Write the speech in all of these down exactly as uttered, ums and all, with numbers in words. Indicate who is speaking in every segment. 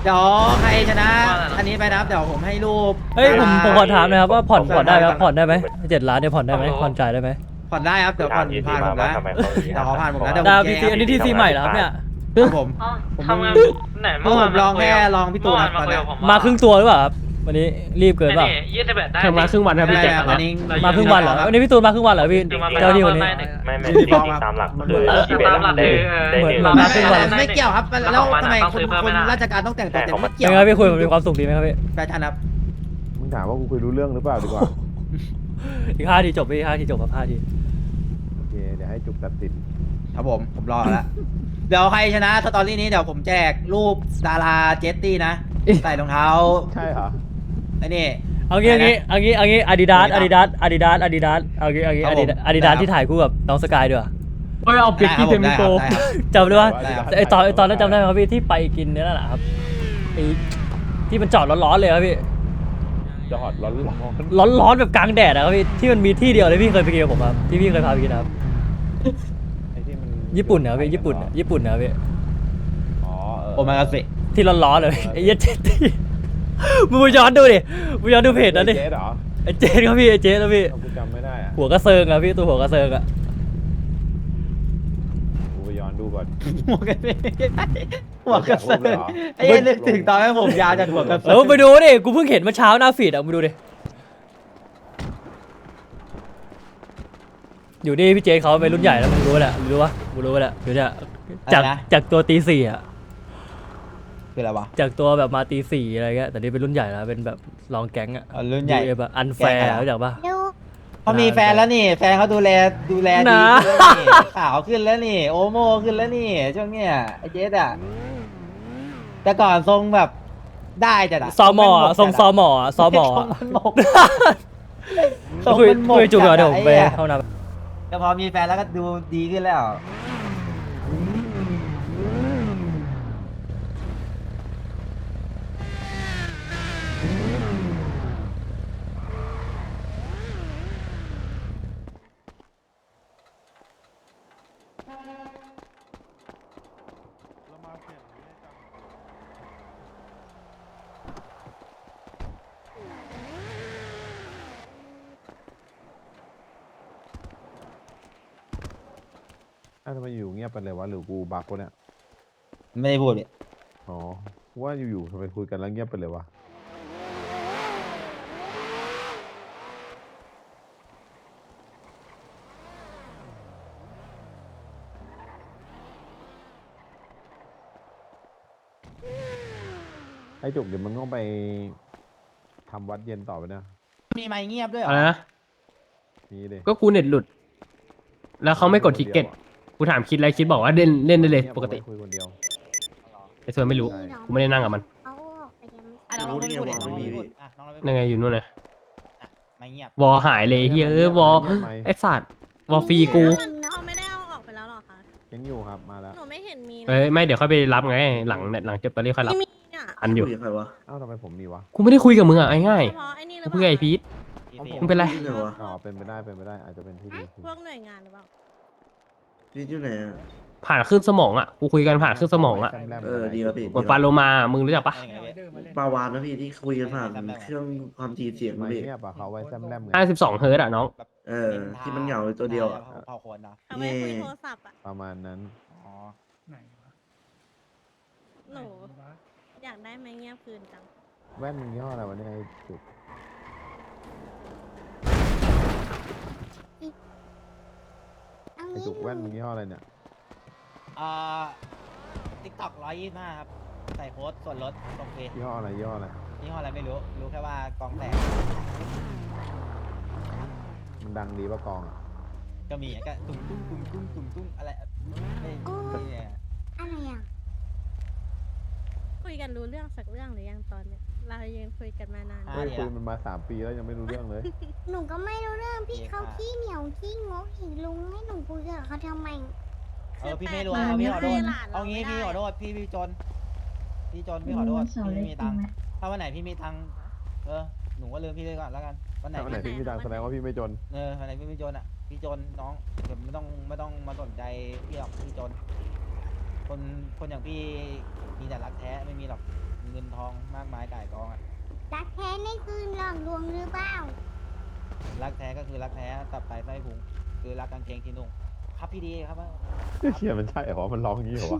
Speaker 1: เดี๋ยวใครชนะอันนี้ไปนะครับเดี๋ยวผมให้รูป
Speaker 2: เฮ้ยผมผมขอถามหนะครับว่าผ่อนผ่อนได้ไหมผ่อนได้ไหมเจ็ดล้านเนี่ยผ่อนได้ไหมผ่อนจ่ายได้ไหม
Speaker 1: ผ่อนได้ครับเดี๋ยวผ่อนผ่านผมนะเดี๋ยวขอผ่านผมนะเดี๋ยว
Speaker 2: ดาว
Speaker 1: ผม
Speaker 2: พีซีอันนี้ทีซีใหม่เหรอครับเนี่ย
Speaker 1: ครับผม
Speaker 3: ทำงานไหน
Speaker 1: เมื่อผมลองแค่ลองพี่ตูนนะตอนนี้
Speaker 2: มาครึ่งตัวหรือเปล่าครับวันนี้รีบเกินเปล่า
Speaker 3: ยี่สิบแปดได้
Speaker 4: ทำงานครึ่งวันครับพี่
Speaker 1: ไม่
Speaker 4: แจ็ค
Speaker 1: ครับอันนี้
Speaker 2: มาครึ่งวันเหรอวันนี้พี่ตูนมาครึ่งวันเหรอพี่เจ้าที่วันนี้
Speaker 5: ไม่ไม่จริงๆตามหลักคือที่เป็นได้ได้หนึ่ง
Speaker 2: มาครึ่งวัน
Speaker 1: ไม่เกี่ยวครับแล้วทำไมคนคนราชการต้องแต่งตัวเต็มไม่เกี่ยว
Speaker 2: เป็นไงพี่คุยมีความสุขดีไหมครับพี่
Speaker 1: แฟชั่นครับ
Speaker 6: มึงถามว่ากูคุยรู้เรื่องหรือเปล่าดีกว่า
Speaker 2: อีกห้าทีจบพี่ห้าทีจบครับห้าที
Speaker 6: โอเคเดี๋ยวให้จุกตัดสิน
Speaker 1: ครับผมผมรอแล้วเดี๋ยวใครชนะสตอรี่นี้เดี๋ยวผมแจกรูปดาราเจสตี้นะใส่รองเท้า
Speaker 6: ใช่เหรอ
Speaker 1: ไอ้นี่
Speaker 2: เอางี้เอางี้เอางี้เอางี้อาดิดาสอาดิดาสอาดิดาสอาดิดาสเอางี้เอางี้อาดิดาสอาดิดาสที่ถ่ายคู่กับน้องสกายด้วย
Speaker 4: เฮ้ยเอาเปียกกี้เทมิโก
Speaker 2: จำได้ว่าไอตอนไอตอนนั้นจำได้ไหมครับพี่ที่ไปกินเนี่ยนั่นแหละครับไอที่มันจอดร้อนๆเลยครับพี่
Speaker 6: จอดร้อนร้อน
Speaker 2: ร้อนๆแบบกลางแดดนะครับพี่ที่มันมีที่เดียวเลยพี่เคยไปกินกับผมครับที่พี่เคยพาไปกินครับ
Speaker 6: ไอ้ที่มัน
Speaker 2: ญี่ปุ่นนะพี่ญี่ปุ่นญี่ปุ่นนะพี่
Speaker 6: อ๋อเออ
Speaker 1: โอมากาเสะ
Speaker 2: ที่ร้อนๆเลยไอ้เหี้ยเจดที่มึงไปย้อนดูดิมึงย้อนดูเพจนั้นดิ
Speaker 6: เจ๊เหรอ
Speaker 2: ไอ้เจดครับพี่ไอ้เจดแล้วพี่
Speaker 6: เอากูจำไม่ได้อะ
Speaker 2: หัวกระเซิงอะพี่ตัวหัวกระเซิงอะ
Speaker 6: กูไปย้อนดูก่อน
Speaker 1: หัวกระเสะหัวกระเสะไอ้นึกถึงตอนนั้นผมยาวจากหัวกระ
Speaker 2: เอ
Speaker 1: เสะ
Speaker 2: อไปดูดิกูเพิ่งเห็นเมื่อเช้าหน้าฟีดอะมึงดูดิอยู่นี่พี่เจดเขาเป็นรุ่นใหญ่แล้วมึงรู้แหละมึงรู้ปะมึงรู้แหละเดี๋ยวเนี่ยจากจากตัวตีสี่อะ
Speaker 1: คืออะไรวะ
Speaker 2: จากตัวแบบมาตีสี่อะไรเงี้ยแต่นี่เป็นรุ่นใหญ่แล้วเป็นแบบรองแก๊งอะ
Speaker 1: อ๋อรุ่นใหญ่
Speaker 2: ยูเอฟอะอันแฟร์รู้จักปะ
Speaker 1: เขามีแฟนแล้วนี่ แฟนเขาดูแลดูแลดี
Speaker 2: นะ
Speaker 1: ขึ้นแล้วนี่ขาวขึ้นแล้วนี่ โอโมขึ้นแล้วนี่ช่วงเนี้ยไอ้เจสอะแต่ก่อนทรงแบบได้จัดอะ
Speaker 2: ซอมออะทรงซอมออะซอมอ
Speaker 1: ทร
Speaker 2: อะ
Speaker 1: งมันหมกท
Speaker 2: ก็
Speaker 1: รง
Speaker 2: คุย
Speaker 1: มันหมก
Speaker 2: คุยจุกเดี๋ยว
Speaker 1: จั
Speaker 2: เดี๋ยวผมไป
Speaker 1: ไอ้หี้
Speaker 2: เข้าน้
Speaker 1: แต่พอมีแฟนแล้วก็ดูดีขึ้นแล้ว
Speaker 6: อ้าวทำไมอยู่เงียบไปเลยวะหรือกูบักวะเนี่ย
Speaker 1: ไม่ได้พูดเลย
Speaker 6: อ๋อว่าอยู่ๆทำไมคุยกันแล้วเงียบไปเลยวะไอ้จุกเดี๋ยวมึงต้องไปทำวัดเย็นต่อไปนะ
Speaker 1: มีไมค์เงียบด้วยเหร
Speaker 4: อะไร
Speaker 1: อ
Speaker 4: นะ
Speaker 6: นี่ดิ
Speaker 4: ก็กูเน็ตหลุด แล้วเขาไม่กดทิกเก็ตกูถามคิดอะไรคิดบอกว่าเล่นเล่นได้เลยปกติ
Speaker 6: คุยคนเดียว
Speaker 4: ไอ้ส่วนไม่รู้กูไม่ได้นั่งกับมัน
Speaker 7: เอาออกไปยัง
Speaker 1: อ่ะน้องเราไม่พูดน้องเราไม่พูดอ่ะน้องเราไม่พูด
Speaker 4: ยังไงอยู่นู่นนะ
Speaker 1: ไม่เงียบ
Speaker 4: วอหายเลยเฮ้ยเออวอไอ้สัตว์วอฟรีกู
Speaker 7: เขาไม่ได้เอาออกไปแล้วหรอคะ
Speaker 6: ยังอยู่ครับมาแล้ว
Speaker 7: หนูไม่เห็นมี
Speaker 4: เอ้ยไม่เดี๋ยวค่อยไปรับไงหลังหลังเจ็บตอนนี้ค่อยรับ
Speaker 7: ไม่มีอ่ะ
Speaker 4: อันอยู่
Speaker 8: ใครวะ
Speaker 6: เอ้าทำไมผมมีวะ
Speaker 4: กูไม่ได้คุยกับมึงอ่ะไอ้ง่าย
Speaker 7: เฉพาะไอ้นี่ห
Speaker 4: ๆ
Speaker 7: รือ
Speaker 4: กู
Speaker 7: เป
Speaker 4: เพื่อ
Speaker 7: ล่า
Speaker 4: ไอ้พีท
Speaker 1: พี่เฟ
Speaker 4: มึงเป็นไร
Speaker 8: ที่ไหนวะ
Speaker 6: อ๋อเป็นไปได้เป็นไปได้อาจจะเป็นที่ดี
Speaker 7: พวกหน่วยงานหรือเปล่า
Speaker 8: พี่ที่ไหนอ่ะ
Speaker 4: ผ่านขึ้นสมองอ่ะกูคุยกันผ่านขึ้นสมองอ่ะ
Speaker 8: เออดีครับพี่
Speaker 4: เหมือนปลาโลมามึงรู้จักปะ
Speaker 8: ปาวานนะพี่ที่คุยกันผ่านเครื่องความถี่เสียง
Speaker 6: ไม่
Speaker 8: พี่
Speaker 6: เงียบอะเขาไว้แซมแลมไง
Speaker 4: ห้าสิบสองเฮิร์ตอ่ะน้อง
Speaker 8: เออที่มันเหงาอยู่ตัวเดียวอะ
Speaker 1: เผาคนเนาะ
Speaker 7: เอาไว้คุยโทรศัพท์อ่ะ
Speaker 6: ประมาณนั้น
Speaker 1: อ๋อ
Speaker 7: หนูอยากได้ไม้เงียบคืนจัง
Speaker 6: แว่นมึงยี่ห้ออะไรวะเนี่ยไอ้จุกไอ้จุกแว่นมึงยี่ห้ออะไรเนี่ย
Speaker 1: อ่าติ๊กต็อกร้อยยี่สิบห้าครับ ใส่โค้ดส่วนลดตรงเพจ
Speaker 6: ยี่ห้ออะไรยี่ห้ออะไร
Speaker 1: ยี่ห้ออะไรไม่รู้ รู้แค่ว่ากองแตก
Speaker 6: มันดังดีปะกองอ่ะ
Speaker 1: ก็มีก็ตุ้งตุ้งตุ้งตุ้งตุ้งตุ้งอะไรไม่ไม่เนี่ย
Speaker 7: อะไรอ่ะคุยกันรู้เรื่องสักเรื่องหรือยังตอนเนี้ยเรายังคุยกันมานาน
Speaker 6: เฮ้ยคุยมันมาสามปีแล้วยังไม่รู้เรื่องเลย
Speaker 7: หนูก็ไม่รู้เรื่องพี่เขาขี้เหนียวขี้งกอีกลุงให้หนูคุยกับเขาทำไม
Speaker 1: เออพี่ไม่รู้เอาพี่ขอโทษเอางี้พี่ขอโทษพี่พี่จน พี่จนพี่ขอโทษพี่ไม่มีตังค์ถ้าวันไหนพี่มีตังค์เออหนูก็ลืมพี่เลยก่อนแล้วกันวันไหน
Speaker 6: ถ้าวันไหนพี่ไม่ดังแสดงว่าพี่ไม่จน
Speaker 1: เออวันไหนพี่ไม่จนอ่ะพี่จนน้องเดี๋ยวไม่ต้องไม่ต้องมาสนใจพี่หรอกพี่จนคนคนอย่างพี่มีแต่รักแท้ไม่มีหรอกเงินทองมากมายก่ายกองอะ
Speaker 7: รักแท้นี่คือหลอกลวงหรือเปล่า
Speaker 1: รักแท้ก็คือรักแท้ตับไตไส้พุงคือรักกางเกงที่นุ่งครับพี่ดีครับ
Speaker 6: เชี่ยมันใช่เหรอมันร้องอย่างนี้เหรอวะ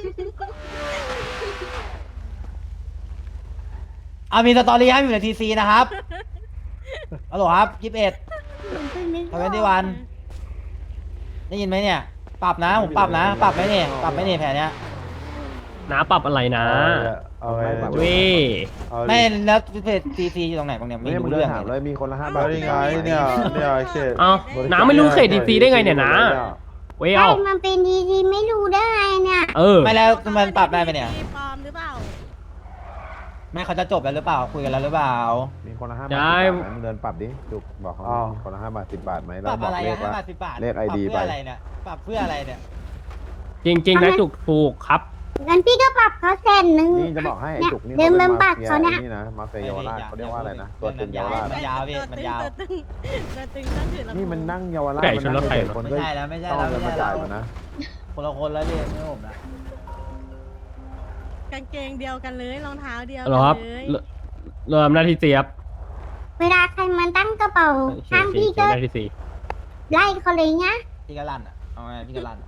Speaker 1: เอามีสตอรี่ให้อยู่ในทีซีนะครับฮัลโหลครับยี่สิบเอ็ด
Speaker 7: เพิ่งนึก
Speaker 1: ทเวนตี้วันได้ยินไหมเนี่ย ปรับนะผมปรับนะ ปรับไหมเนี่ยปรับไหมเนี่ยแผนเนี้ย
Speaker 4: น้าปรับอะไรนะ
Speaker 6: เอาไง
Speaker 4: เว้ย
Speaker 1: ไม่แล้วทีซีอยู่ตรงไหนบ้างเนี่ยไม่
Speaker 6: ไม่มึ
Speaker 1: รู้
Speaker 6: งเดิ
Speaker 1: เรื่
Speaker 6: น
Speaker 1: อง
Speaker 6: ถาม
Speaker 1: เล
Speaker 6: เลย ยมีคนละห้าบาท
Speaker 3: เอายังไงเนี่ยเนี่ยเขต
Speaker 4: เอ้าน้าไม่รู้เขตดีซีได้ไงเนี่ยนะเว้ย
Speaker 7: ใช่
Speaker 4: เอา
Speaker 7: มันเป็นดีดีไม่รู้ได้ไงเนี่ย
Speaker 4: เออ
Speaker 1: ไม่แล้วมันปรับได้ไหมเนี่ย
Speaker 9: ปลอมหรือเปล่า
Speaker 1: ไม่เขาจะจบแล้วหรือเปล่าคุยกันแล้วหรือเปล่า
Speaker 6: มีคนละห้าบาท
Speaker 4: ได้
Speaker 6: สิบบาทนะมึงเดินปรับดิจุกบอกเขาดิคนละห้าบาทสิบบาทไหม
Speaker 1: ป
Speaker 6: แล้ว
Speaker 1: รับ
Speaker 6: บอ
Speaker 1: อะ
Speaker 6: ก
Speaker 1: ไร
Speaker 6: เล
Speaker 1: อะ
Speaker 6: ข
Speaker 1: ห้า
Speaker 6: ว่า
Speaker 1: บาทสิบบาท
Speaker 6: เลข
Speaker 1: ปรับ
Speaker 6: ไอดี
Speaker 1: เพื่อ
Speaker 6: ไป
Speaker 1: อะไรเนี่ยปรับเพื่ออะไรเนี่ย
Speaker 4: จริงๆนะจุกถูกครับ
Speaker 7: งั้นพี่ก็ปรับเขาแสนหนึ่ง
Speaker 6: นี่จะบอกให้ไอ้จุกนี่
Speaker 7: เดิน
Speaker 6: เขา
Speaker 7: เมื
Speaker 6: เป็
Speaker 7: อง
Speaker 6: นมา
Speaker 7: ปาก
Speaker 6: เฟีย
Speaker 7: เขาเนี่ย
Speaker 6: ไอ้นี่นะมาเฟียเยาวราชเขาเรียกว่าอะไรนะตัวตึงเยาวราช
Speaker 1: มันยาวพี่มันยาว
Speaker 9: ตัวตึงตัวตึงต้องถือลำโพง
Speaker 6: นี่มันนั่งเยาวราช
Speaker 4: ไก่
Speaker 6: มัน
Speaker 4: ชนร
Speaker 6: นั่
Speaker 4: ถ
Speaker 6: ง
Speaker 4: ไฟ
Speaker 6: เจ็ด
Speaker 4: เหรอ
Speaker 6: คน
Speaker 1: ไม่
Speaker 6: ก็
Speaker 1: ใช่แล้วไม่ใช่
Speaker 6: ต้อง
Speaker 1: แล้ว
Speaker 6: เอาเงิน
Speaker 1: ไม่
Speaker 6: มา
Speaker 1: ใช่
Speaker 6: จ่าย
Speaker 1: แล้ว
Speaker 6: มันนะ
Speaker 1: คนละคนแล้วพี่ไม่ใช่ผมนะ
Speaker 9: กางเกงเดียวกันเลยรองเท้าเดียว
Speaker 4: เหรอครับ
Speaker 9: กันเลย
Speaker 4: เรเริ่มหน้าที่เสียบ
Speaker 7: เวลาใครมาตั้งกระเป๋าข้างพี่ก็
Speaker 4: หน้าที่สี่
Speaker 7: ไล่เขาเลยนะ
Speaker 1: พี่กะลั่นอ่ะเอาไงพี่กะลั่น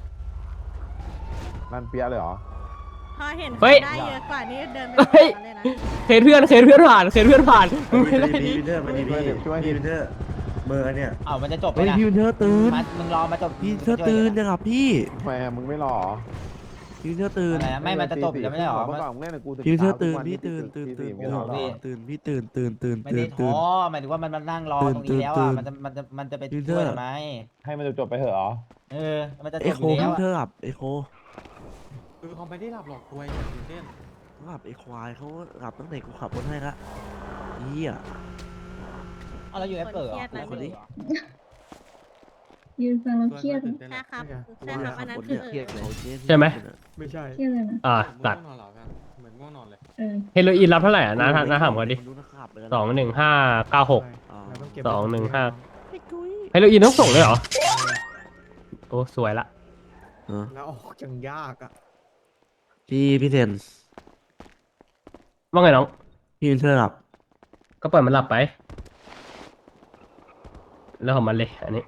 Speaker 6: ร้านเปียะเลยเหรอ
Speaker 9: พอเห็น
Speaker 4: เฮ้ย
Speaker 9: ได้เยอะกว่านี้เดินไป
Speaker 4: เฮ้ย
Speaker 9: หาเขาเลยนะ
Speaker 4: เคสเพื่อนเคสเพื่อนผ่านเคสเพื่อนผ่านมึงไม่ได้
Speaker 8: พี่
Speaker 4: ดิ
Speaker 8: วินเทอร์มาดีพี่พี่วินเทอร์เบอร์เนี่ย
Speaker 1: เอ้ามันจะจบไหม
Speaker 3: เฮ้ย
Speaker 1: นะ
Speaker 3: พี่วินเทอร์ตื่น
Speaker 1: มันมึงรอมาจบ
Speaker 3: พี่วินเทอร์ตื่นนะครับพี่
Speaker 6: ทำไมอะมึงไม่รอเหรอ
Speaker 3: พี่วินเทอร์ตื่น
Speaker 1: อะไรนะไม่มันจะจบอยู่แล้วไม่ใช่หรอ
Speaker 6: เมื่อก่อนมึงเล่นกับกูถึง
Speaker 3: พี่วินเทอร์
Speaker 6: ช้าทุ
Speaker 3: ตื่
Speaker 6: ก
Speaker 3: น
Speaker 6: วัน
Speaker 3: พี่ตื่นตื่น
Speaker 6: ตี
Speaker 3: ตื่
Speaker 6: สี่
Speaker 3: น
Speaker 6: ไม่รอหรอ
Speaker 3: ตื่นพี่ตื่นตื่นตื่น
Speaker 1: ไม่
Speaker 3: ตื่
Speaker 1: ได้
Speaker 3: น
Speaker 1: ท้
Speaker 3: ตื่น
Speaker 1: อหมายถึงว่ามันมันนั่งรอตรงนี้แล้ว
Speaker 3: ตื่
Speaker 1: อ่ะ
Speaker 3: น
Speaker 1: มันจะมันจะมันจะไป
Speaker 3: ตื่น
Speaker 1: ช่วย
Speaker 3: เถอะ
Speaker 1: ทำไม
Speaker 6: ให้มันจบๆไปเถอะเหรอ
Speaker 1: เออมันจะจ
Speaker 3: เอบ
Speaker 1: อ
Speaker 3: โค
Speaker 1: ยู่
Speaker 3: พี่
Speaker 1: แล้ว
Speaker 3: วินเทอ
Speaker 1: อะ
Speaker 3: ร์หลับเอโค
Speaker 10: คือเขาไม่ได้หลับหรอกตัวอย่างตื่นเต้น
Speaker 3: หลับไอควายเขาหลับตั้งแต่กูขับรถให้ละเฮีย
Speaker 1: เอาแล้วอยู่แอปเปิลเหรอ
Speaker 9: คนเครียดนะ
Speaker 1: คนนี้
Speaker 7: ยืนฟังแล้ว
Speaker 10: ตัว
Speaker 7: เครียด
Speaker 10: ตื่นเต้น
Speaker 9: ใช่ครับ
Speaker 10: ไม่ใช่
Speaker 9: ใช่ครับอันนั้น
Speaker 3: คน
Speaker 9: คื
Speaker 3: เนี่
Speaker 9: อย เออ
Speaker 3: เครียดเลย
Speaker 4: ใช่ไหม
Speaker 10: ไม่ใช่
Speaker 7: เครียดเลยนะ
Speaker 4: อ่า
Speaker 10: เหมื
Speaker 4: ตั
Speaker 10: อน
Speaker 4: ด
Speaker 10: ง่วงนอนเหรอกันเหมือนง่วงนอนเลย
Speaker 7: เออ
Speaker 4: เฮโรอีนรับเท่าไหร่อ่ะนะนะถามเขาดิ
Speaker 3: ดูนะครับเลยนะ
Speaker 4: สองหนึ่งห้าเก้าหก
Speaker 3: อ๋อ
Speaker 10: เราต้องเก็บ
Speaker 4: สองหนึ่งห้า
Speaker 3: ไอ้กุ้ย
Speaker 4: เฮโรอีนต้องส่งเลยเหรอโอ้สวยละ
Speaker 3: เออ
Speaker 10: แล้วออกจังยากอ่ะ
Speaker 3: พี่พี่เทน
Speaker 4: ว่าไงน้อง
Speaker 3: พี่วินเทอร์หลับ
Speaker 4: ก็ปล่อยมันหลับไปแล้วของมันเลยอันนี้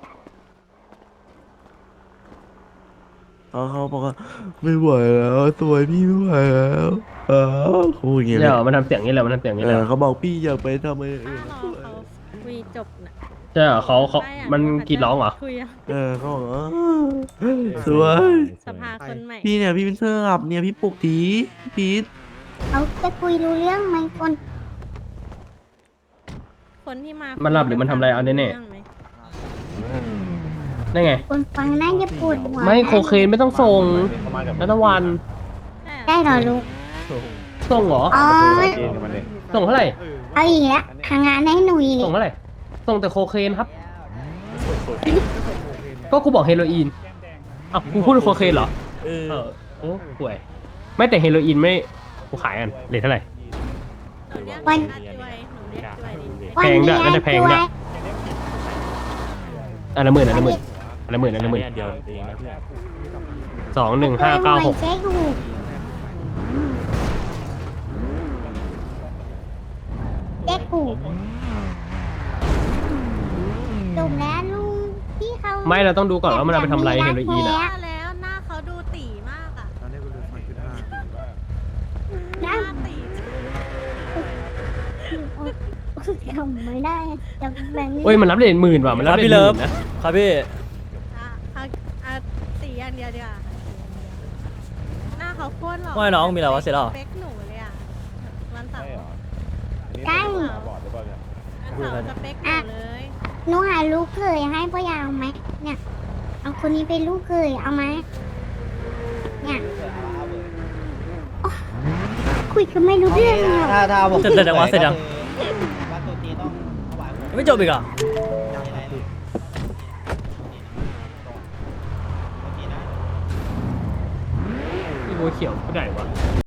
Speaker 3: เขาเขาบอกว่าไม่ไหวแล้วตัวพี่ไม่ไหวแล้วเออเขาพูดอย่างเงี้ย
Speaker 4: เดี๋ยวมันทำเสียงนี้แหละมันทำเสียงนี้
Speaker 3: เอ
Speaker 4: แหละ
Speaker 3: อเขาบอกพี่อย่าไปทำอะไรอื่น
Speaker 9: ถ้ารอเขาคุยจบนะ
Speaker 4: ใช่เหรอเขาเขา
Speaker 9: ไม่อะ
Speaker 4: มันกรีดร้องเหรอ
Speaker 9: คุยอะ
Speaker 3: เออเขาบอกว่าสวย
Speaker 9: สภาคนใหม่
Speaker 3: พี่เนี่ยพี่วินเทอร์หลับเนี่ยพี่ปลุกทีพี่พีท
Speaker 7: เขาจะคุยรู้เรื่องไหมคน
Speaker 9: คนที่มา
Speaker 4: มันหลับหรือมันทำอะไรเอาแน่ๆ
Speaker 9: เรื่องไหม
Speaker 4: นั่นไง
Speaker 7: คนฟังน่าจะปวดหัว
Speaker 4: ไม่โคเคนไม่ต้องส่งนัตวัน
Speaker 7: ได้เหรอลูก
Speaker 4: ส่งเหรอ
Speaker 7: อ๋อ
Speaker 6: เกณฑ์กับมันดิ
Speaker 4: ส่งเท่าไหร่
Speaker 7: เอาอีกแล้วทางงานให้หนูอีก
Speaker 4: ส่งเท่าไหร่ส่งแต่โคเคนครับ ก็กูบอกเฮโรอีนอ้าวกูพูดโคเคนเหรอ
Speaker 3: เออ
Speaker 4: เออโอ้ป่วยไม่แต่เฮโรอีนไม่กูขายกันเลทเท่าไหร่
Speaker 9: หนูเรียก
Speaker 7: วัน
Speaker 9: อาจวยหนูเรียกจวยดิ
Speaker 4: แพงด้วยน่าจะแพงด้วย
Speaker 7: วัน
Speaker 4: อันละหมื่นอันละหมื่นอันละหมื่นอันละหมื่นสองหนึ่งห้าเก้าหก
Speaker 7: เจ๊ถูกเจ๊ถูกจบแล้วลุงพี่เขา
Speaker 4: ไม่เราต้องดูก่อนว่ามันเอาไปทำอะไรเฮโรอีนอ่ะ
Speaker 9: ว่าแล้วหน้าเขาดูตีมากอะ
Speaker 10: ตอนนี้กูดูไฟจุดห้า
Speaker 9: หน้าตี
Speaker 7: ทำไม่ได้จะแบบนี้
Speaker 4: โอ้ยมันรับเลทหมื่นว่ะมัน
Speaker 2: ค
Speaker 4: รั
Speaker 2: รั
Speaker 4: บบ เลท
Speaker 2: พี่
Speaker 4: ห
Speaker 2: เลิ
Speaker 4: มื่
Speaker 2: ฟ
Speaker 4: นนะครับ
Speaker 2: พี่
Speaker 9: อ่ะเอาเอาตีอย่างเดียวดีกว่าหน้าเขาโคตรหล่อ
Speaker 2: ว่าไงน้องมีอะไรวะเสร็จแล้วเหรอ
Speaker 9: สเปคหนูเลยอะวันเสาร์
Speaker 6: ใช่เหรออันนี้เป็นตาบอดหรือเปล่าเนี่ย
Speaker 9: วันเสาร์สเปคหนูเลย
Speaker 7: หนูหาลูกเคยให้พ่อยาวไหมเนี่ย เอาคนนี้เป็นลูกเคยเอาไหมเนี่ยคุยกันไม่รู้เรื่องเลย
Speaker 1: ถ้าถ้าผม
Speaker 2: เสร็จแล้ววะเสร็จยัง
Speaker 1: วัดตัวจีนต้องถวายผม
Speaker 2: ยังไม่จบอีกเหรอ่ะ
Speaker 4: พี่บัวเขียวผู้ใหญ่วะ